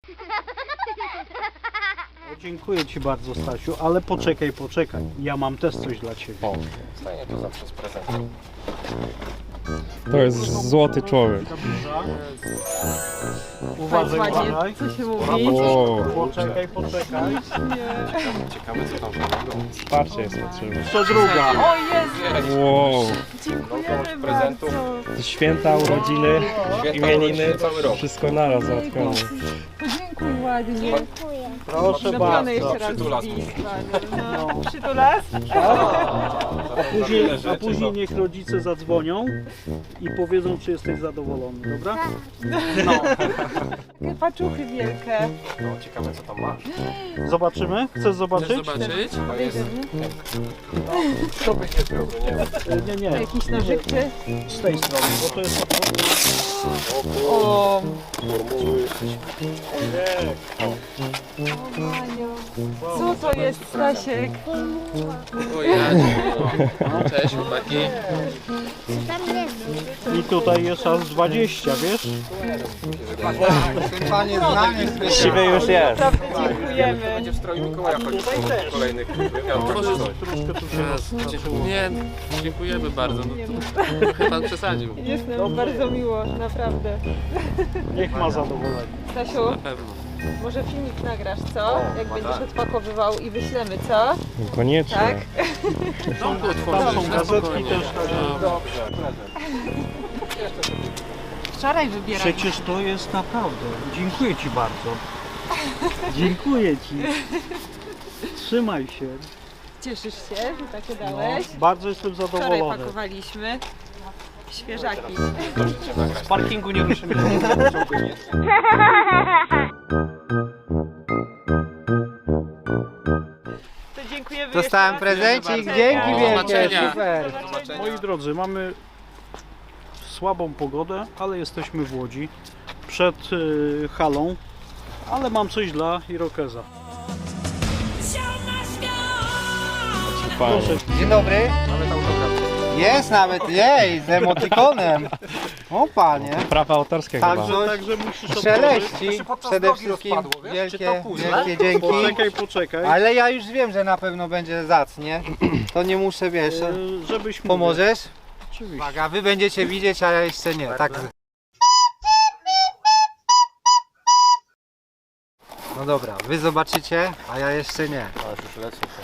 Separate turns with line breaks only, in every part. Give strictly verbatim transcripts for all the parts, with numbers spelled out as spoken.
Dziękuję Ci bardzo, Stasiu, ale poczekaj, poczekaj. Ja mam też coś dla Ciebie.
O, stanie to zawsze z prezentem.
To jest złoty człowiek.
Uważaj, uważaj.
Co się mówi?
Wow.
Poczekaj, poczekaj.
Ciekawe co tam zrobią.
Wsparcie jest potrzebne.
Jeszcze druga.
O Jezu,
Wow.
dziękujemy
prezentów.
bardzo.
Święta, urodziny, imieniny,
cały rok.
wszystko naraz załatwione.
Podziękuj ładnie.
Proszę
Zrobione
bardzo.
jeszcze raz
Przytulas
zdjęć, no. Przytulas?
A później, a później niech rodzice zadzwonią i powiedzą, czy jesteś zadowolony, dobra?
Takie paczuchy wielkie.
No, ciekawe co tam masz.
Zobaczymy? Chcesz zobaczyć?
zobaczyć?
To jest... To by nie było, nie?
Nie, nie.
Jakiś nożyk czy?
Z tej strony, bo to jest...
O,
Formuły.
Maniu. Co to jest, Stasiek?
O ja, no. Cześć chłopaki.
I tutaj jest aż dwadzieścia, wiesz?
Panie znany z
Siwy już jest.
Naprawdę dziękujemy.
Będzie w stroju Mikołaja chodzić w kolejnych wymiarach.
Troszkę tu się
Jezu, nie, dziękujemy bardzo. No to chyba pan przesadził.
Jest nam bardzo miło, naprawdę.
Niech ma zadowolenie.
Stasiu,
Na pewno.
może filmik nagrasz, co? Jak będziesz odpakowywał i wyślemy, co?
Koniecznie.
Tak?
Domku
Tam są
otworzyć, na
gazetki
spokojnie.
też.
No.
Wczoraj wybieraliśmy.
Przecież to jest naprawdę. Dziękuję Ci bardzo. Dziękuję Ci. Trzymaj się.
Cieszysz się, że takie dałeś?
Bardzo jestem
Wczoraj
zadowolony.
pakowaliśmy świeżaki.
Z parkingu nie ruszymy.
To dziękujemy.
Dostałem
jeszcze raz.
prezencik,
bardzo.
dzięki
Do
wielkie,
zobaczenia.
super.
Moi drodzy, mamy słabą pogodę, ale jesteśmy w Łodzi przed y, halą, ale mam coś dla Irokeza.
Fajnie.
Dzień dobry. Jest nawet, jej, z emotikonem. O panie.
Prawa autorskie
Tak,
chyba.
że-
Także musisz otworzyć.
Szeleści przede wszystkim. Wielkie, wielkie dzięki.
Poczekaj, poczekaj.
Ale ja już wiem, że na pewno będzie zacnie. To nie muszę, wiesz.
Y, żebyś mówił.
Pomożesz?
Oczywiście.
Uwaga, wy będziecie widzieć, a ja jeszcze nie. Tak. No dobra, wy zobaczycie, a ja jeszcze nie.
A już lecę się.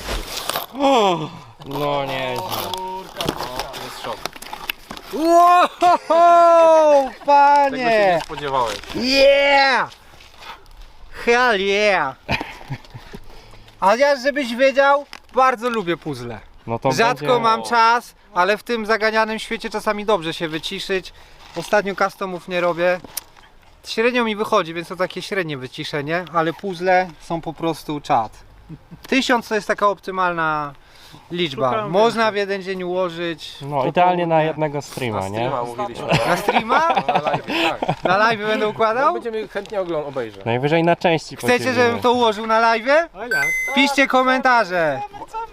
No nie.
To jest szok.
Wow,
Tego się
panie!
nie spodziewałeś.
Yeah! Hell yeah! A ja, żebyś wiedział, bardzo lubię puzzle.
No to
Rzadko
będzie...
mam czas, ale w tym zaganianym świecie czasami dobrze się wyciszyć. Ostatnio customów nie robię. Średnio mi wychodzi, więc to takie średnie wyciszenie, ale puzzle są po prostu czad. Tysiąc to jest taka optymalna liczba.
Szukam
Można w jeden dzień ułożyć.
No idealnie na jednego streama,
Na
nie?
streama mówiliśmy.
Na streama?
Na live, tak.
Na live będę
No,
układał?
będziemy chętnie oglądać, obejrzeć.
Najwyżej na części
Chcecie,
podzielimy.
żebym to ułożył na live?
A jak?
Piszcie komentarze.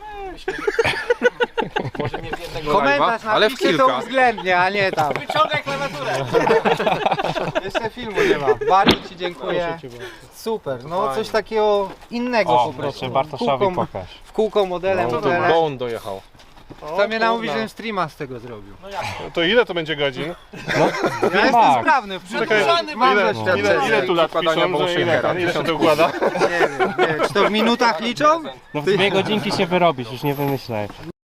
Może nie w jednego
Komentarz
live'a, ale w
napiszcie to
kilka.
uwzględnie, a nie tam. Wyciągaj klawiaturę. Jeszcze filmu nie ma. Bardzo Ci dziękuję.
Proszę Cię bardzo.
Super, no coś takiego innego
O,
po prostu.
jeszcze Bartoszowi
Kółką-
pokaż.
W kółko modelem,
No to
modelem.
Bone dojechał.
To mnie namówi, żebym streama z tego zrobił.
To ile to będzie godzin?
Ja jestem
max.
sprawny, przedłużony mam
Ile,
doświadczenie.
ile, ile tu lat
Układania
piszą, że ile,
Bowshakera.
ile się to układa?
Nie wiem, nie wiem, czy to w minutach liczą?
No w dwie godzinki się wyrobisz, już nie wymyślaj.